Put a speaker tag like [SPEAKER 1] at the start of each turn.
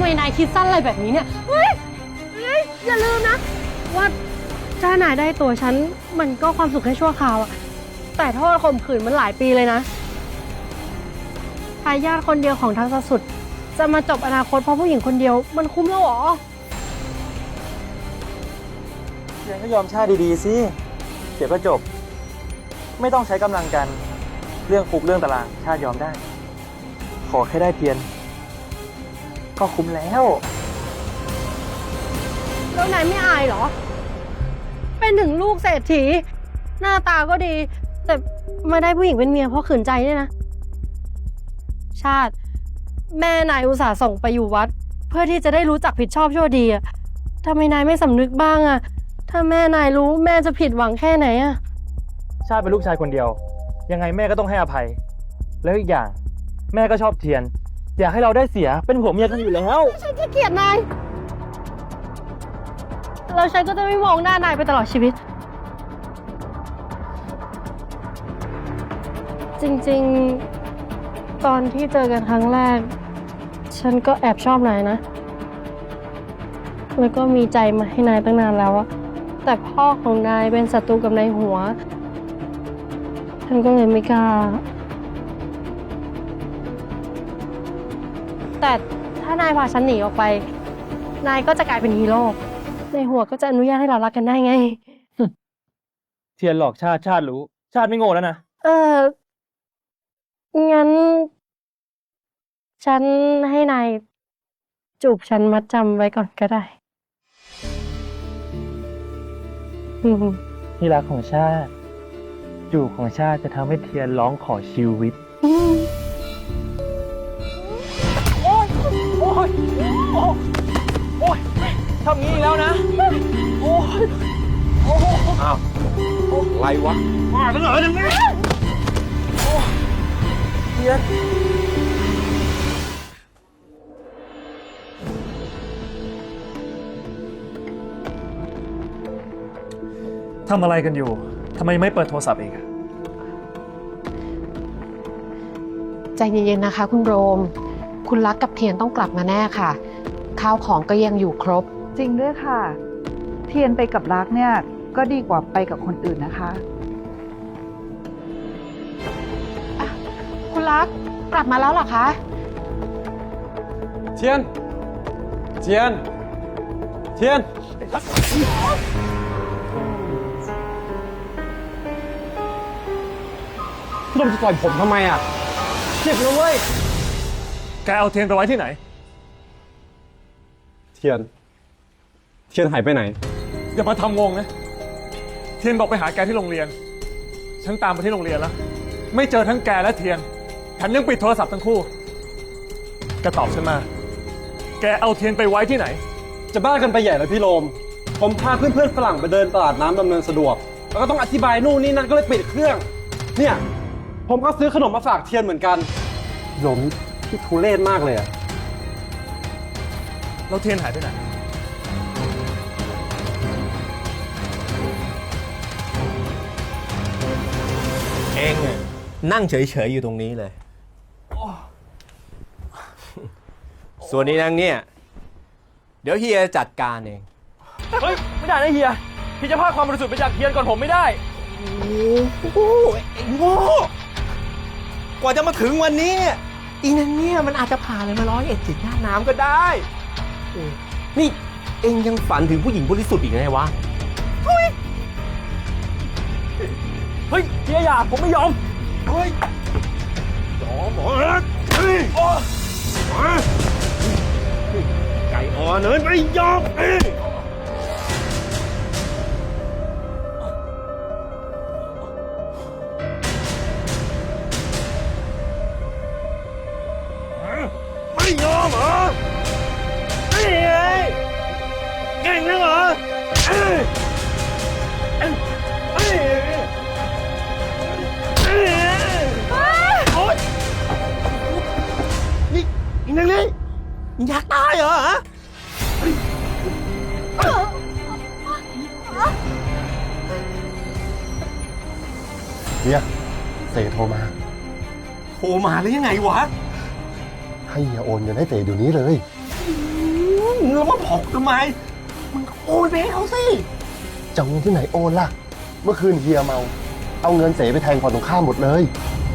[SPEAKER 1] นายคิดสั้นอะไรแบบนี้เนี่ยเฮ้ยอย่าลืมนะว่าถ้านายได้ตัวฉันมันก็ความสุขแค่ชั่วคราวอะแต่โทษข่มขืนมันหลายปีเลยนะทายาทคนเดียวของทักษสุดจะมาจบอนาคตเพราะผู้หญิงคนเดียวมันคุ้มแล้วหรอ
[SPEAKER 2] เทียนก็ยอมชาติดีๆสิเดี๋ยวก็จบไม่ต้องใช้กำลังกันเรื่องคุกเรื่องตารางชาติยอมได้ขอแค่ได้เทียนก็คุ้มแล้ว
[SPEAKER 1] แล้วนายไม่อายเหรอเป็นถึงลูกเศรษฐีหน้าตาก็ดีแต่มาได้ผู้หญิงเป็นเมียเพราะขืนใจเนี่ยนะชาติแม่นายอุตส่าห์ส่งไปอยู่วัดเพื่อที่จะได้รู้จักผิดชอบชั่วดีอะทำไมนายไม่สำนึกบ้างอะถ้าแม่นายรู้แม่จะผิดหวังแค่ไหนอะ
[SPEAKER 2] ชาติเป็นลูกชายคนเดียวยังไงแม่ก็ต้องให้อภัยแล้วอีกอย่างแม่ก็ชอบเทียนอยากให้เราได้เสียเป็นผัวเมียกันอยู่แล้ว
[SPEAKER 1] ฉันจะเกลียดนายแล้วฉันก็จะไม่มองหน้านายไปตลอดชีวิตจริงๆตอนที่เจอกันครั้งแรกฉันก็แอบชอบนายนะแล้วก็มีใจมาให้นายตั้งนานแล้วอะแต่พ่อของนายเป็นศัตรูกับนายหัวฉันก็เลยไม่กล้าแต่ถ้านายพาฉันหนีออกไปนายก็จะกลายเป็นฮีโร่นายหัวก็จะอนุญาตให้เรารักกันได้ไง
[SPEAKER 2] เทียนหลอกชาติรู้ชาติไม่โง่แล้วนะ
[SPEAKER 1] งั้นฉันให้นายจูบฉันมัดจำไว้ก่อนก็ได้
[SPEAKER 2] ที่รักของชาติจูบของชาติจะทำให้เทียนร้องขอชีวิตโอ๊ยโอ๊ยโอ๊ยทำงี้อีกแล้วนะโอ๊ย
[SPEAKER 3] อ้าวอะไรวะมากันเหรออย่างนี้
[SPEAKER 2] เทียน
[SPEAKER 4] ทำอะไรกันอยู่ ทำไมไม่เปิดโทรศัพท์เอง
[SPEAKER 5] ใจเย็นๆนะคะคุณโรมคุณรักกับเทียนต้องกลับมาแน่ค่ะข้าวของก็ยังอยู่ครบ
[SPEAKER 6] จริงด้วยค่ะเทียนไปกับรักเนี่ยก็ดีกว่าไปกับคนอื่นนะคะ
[SPEAKER 5] คุณรักกลับมาแล้วเหรอคะ
[SPEAKER 3] เทียนเทียนเทียนพี่ลมจะต่อยผมทำไมอ่ะเจ็บนะเว้ย
[SPEAKER 4] แกเอาเทียนไปไว้ที่ไหน
[SPEAKER 3] เทียนหายไปไหน
[SPEAKER 4] อย่ามาทำงงนะเทียนบอกไปหาแกที่โรงเรียนฉันตามไปที่โรงเรียนแล้วไม่เจอทั้งแกและเทียนแถมยังปิดโทรศัพท์ทั้งคู่แกตอบฉันมาแกเอาเทียนไปไว้ที่ไหน
[SPEAKER 3] จะบ้ากันไปใหญ่แล้วพี่โรมผมพาเพื่อนๆฝรั่งไปเดินตลาดน้ำดำเนินสะดวกแล้วก็ต้องอธิบายนู่นนี่นั่นก็เลยปิดเครื่องเนี่ยผมก็ซื้อขนมมาฝากเทียนเหมือนกันโรมที่ทุเรศมากเลยอะ
[SPEAKER 4] แล้วเทียนหายไปไหน
[SPEAKER 7] เองนั่งเฉยๆอยู่ตรงนี้เลยส่วนนี้นางเนี่ยเดี๋ยวเฮียจัดการเอง
[SPEAKER 2] เฮ้ยไม่ได้นะเฮียพี่จะพาความบริสุทธิ์ไปจากเทียนก่อนผมไม่ได้
[SPEAKER 7] โอ้โหไอ้โง่กว่าจะมาถึงวันนี้อีนั่นเนี่ยมันอาจจะผ่านเลยมา101จิตหน้าน้ำก็ได้นี่เองยังฝันถึงผู้หญิงบริสุทธิ์อีกไงวะ
[SPEAKER 2] เฮ้ยเฮียอย่าผมไม่ยอม
[SPEAKER 3] เฮ้ยยอมเหรอไก่อ่อนเนินไม่ยอมไม่ยอมเหรอนี่ไงเก่งนะเหรอนี่อีนังนี่อยากตายเหรอฮะ
[SPEAKER 8] เฮียเสโทรมา
[SPEAKER 7] หรือยังไงวะ
[SPEAKER 8] ให้เฮียโอนเงินให้เต๋เดี๋ยวนี้เลย
[SPEAKER 7] แล้วมาบอกทำไมมึงโอนไปให้เขาสิ
[SPEAKER 8] จะเอาเงินที่ไหนโอนล่ะ เมื่อคืนเฮียเมา เอาเงินเสไปแทงฝั่งตรงข้ามหมดเลย